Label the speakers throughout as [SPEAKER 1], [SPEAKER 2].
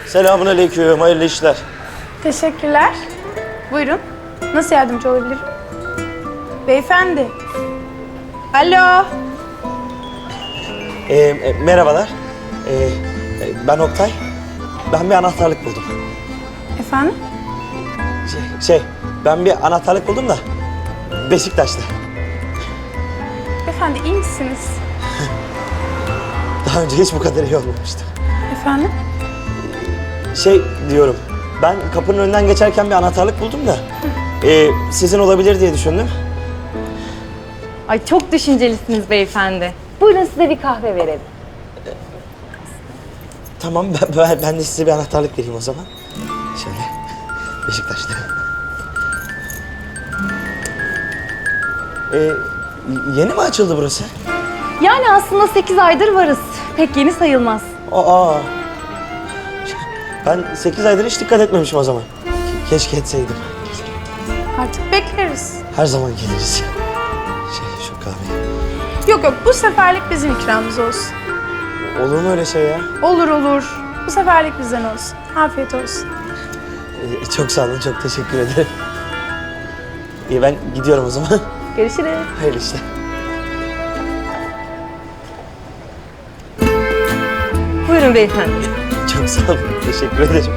[SPEAKER 1] Selamünaleyküm, hayırlı işler.
[SPEAKER 2] Teşekkürler. Buyurun. Nasıl yardımcı olabilirim? Beyefendi. Alo.
[SPEAKER 1] Merhabalar. Ben Oktay. Ben bir anahtarlık buldum.
[SPEAKER 2] Efendim?
[SPEAKER 1] Ben bir anahtarlık buldum da Beşiktaş'ta.
[SPEAKER 2] Efendi iyi misiniz?
[SPEAKER 1] Daha önce hiç bu kadar iyi olmamıştı.
[SPEAKER 2] Efendim?
[SPEAKER 1] Diyorum, ben kapının önünden geçerken bir anahtarlık buldum da sizin olabilir diye düşündüm.
[SPEAKER 3] Ay çok düşüncelisiniz beyefendi. Buyurun size bir kahve verelim.
[SPEAKER 1] Tamam, ben de size bir anahtarlık vereyim o zaman. Şöyle, Beşiktaş'ta. Yeni mi açıldı burası?
[SPEAKER 3] Yani aslında 8 aydır varız. Pek yeni sayılmaz.
[SPEAKER 1] Aa, ben 8 aydır hiç dikkat etmemişim o zaman. Keşke etseydim.
[SPEAKER 2] Artık bekleriz.
[SPEAKER 1] Her zaman geliriz. Şu kahve.
[SPEAKER 2] Yok bu seferlik bizim ikramımız olsun.
[SPEAKER 1] Olur mu öyle şey ya?
[SPEAKER 2] Olur olur. Bu seferlik bizden olsun. Afiyet olsun.
[SPEAKER 1] Çok sağ olun, çok teşekkür ederim. İyi, ben gidiyorum o zaman.
[SPEAKER 3] Görüşürüz.
[SPEAKER 1] Hayırlı işler.
[SPEAKER 3] Buyurun beyefendi.
[SPEAKER 1] Çok sağ olun, teşekkür ederim.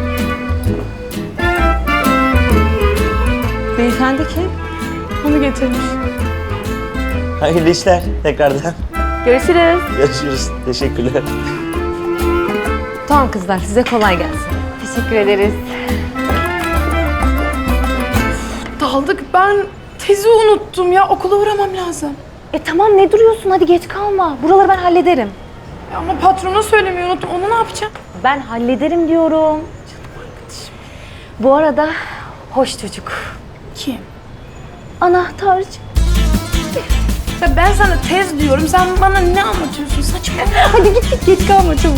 [SPEAKER 3] Beyefendi kim?
[SPEAKER 2] Bunu getirmiş.
[SPEAKER 1] Hayırlı işler tekrardan.
[SPEAKER 3] Görüşürüz.
[SPEAKER 1] Görüşürüz. Teşekkürler.
[SPEAKER 3] Tamam kızlar size kolay gelsin. Teşekkür ederiz.
[SPEAKER 2] Daldık. Ben tezi unuttum ya. Okula uğramam lazım.
[SPEAKER 3] Tamam ne duruyorsun hadi geç kalma. Buraları ben hallederim.
[SPEAKER 2] Ama patrona söylemeyi unuttum. Onu ne yapacağım?
[SPEAKER 3] Ben hallederim diyorum. Bu arada hoş çocuk.
[SPEAKER 2] Kim?
[SPEAKER 3] Anahtarcı.
[SPEAKER 2] Ya ben sana tez diyorum. Sen bana ne anlatıyorsun? Saçma.
[SPEAKER 3] Hadi git geç kalma çabuk.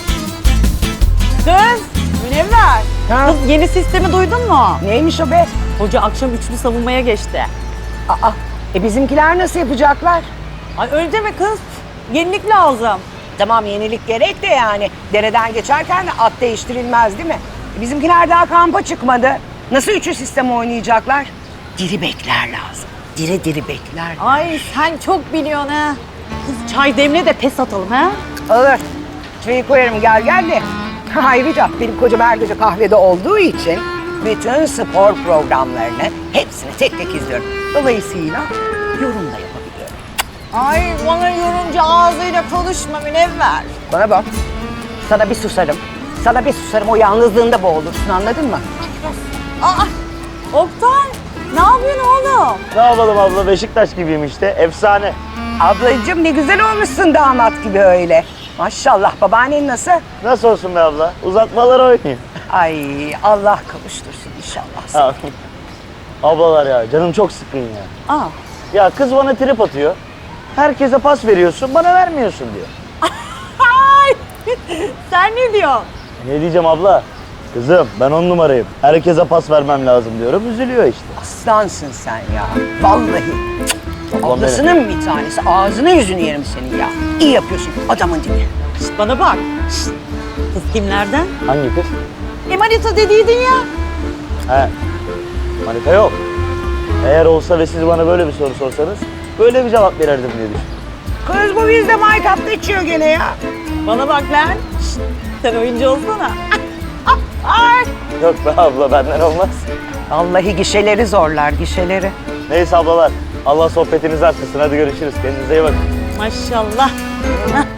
[SPEAKER 4] Kız, Münevver. Kız yeni sistemi duydun mu?
[SPEAKER 5] Neymiş o be?
[SPEAKER 4] Hoca akşam üçlü savunmaya geçti.
[SPEAKER 5] Aa, bizimkiler nasıl yapacaklar?
[SPEAKER 4] Ay öyle mi kız? Yenilik lazım.
[SPEAKER 5] Tamam yenilik gerek de yani. Dereden geçerken de at değiştirilmez değil mi? Bizimkiler daha kampa çıkmadı. Nasıl üçlü sistem oynayacaklar? Diri bekler lazım. Diri diri bekler.
[SPEAKER 4] Ay sen çok biliyorsun ha. Kız çay demle de pes atalım ha.
[SPEAKER 5] Alır. Çayı koyarım gel de. Ayrıca benim kocam her gece kahvede olduğu için bütün spor programlarını hepsini tek tek izliyorum. Dolayısıyla yorum da yapabiliyorum.
[SPEAKER 4] Ay bana yorumcu ağzıyla konuşma Münevver.
[SPEAKER 5] Bana bak. Sana bir susarım. Sana bir susarım. O yalnızlığında boğulursun anladın mı?
[SPEAKER 4] Aa, Oktay ne yapıyorsun oğlum?
[SPEAKER 1] Ne yapalım abla, Beşiktaş gibiyim işte, efsane.
[SPEAKER 5] Ablacığım ne güzel olmuşsun damat gibi öyle. Maşallah babaannen nasıl?
[SPEAKER 1] Nasıl olsun be abla? Uzatmalar oynayayım.
[SPEAKER 5] Ay Allah kavuştursun inşallah.
[SPEAKER 1] Ablalar ya, canım çok sıkın ya.
[SPEAKER 4] Aa.
[SPEAKER 1] Ya kız bana trip atıyor. Herkese pas veriyorsun, bana vermiyorsun diyor.
[SPEAKER 4] Ay, sen ne diyorsun?
[SPEAKER 1] Ne diyeceğim abla? Kızım ben 10 numarayım. Herkese pas vermem lazım diyorum. Üzülüyor işte.
[SPEAKER 5] Aslansın sen ya. Vallahi.
[SPEAKER 1] Ablam
[SPEAKER 5] Ablasının bir tanesi. Ağzını yüzünü yerim senin ya. İyi yapıyorsun adamın dibi.
[SPEAKER 4] Şişt, bana bak. Şişt. Kız kimlerden?
[SPEAKER 1] Hangi kız?
[SPEAKER 4] Manita dediydin ya.
[SPEAKER 1] He. Manita yok. Eğer olsa ve siz bana böyle bir soru sorsanız böyle bir cevap verirdim diye düşündüm.
[SPEAKER 5] Kız bu bizde maytapta içiyor gene ya.
[SPEAKER 4] Bana bak lan. Şişt, sen oyuncu olsana.
[SPEAKER 1] Yok be abla, benden olmaz.
[SPEAKER 5] Vallahi gişeleri zorlar gişeleri.
[SPEAKER 1] Neyse ablalar, Allah sohbetinizi arttırsın. Hadi görüşürüz. Kendinize iyi bakın.
[SPEAKER 4] Maşallah. Hah.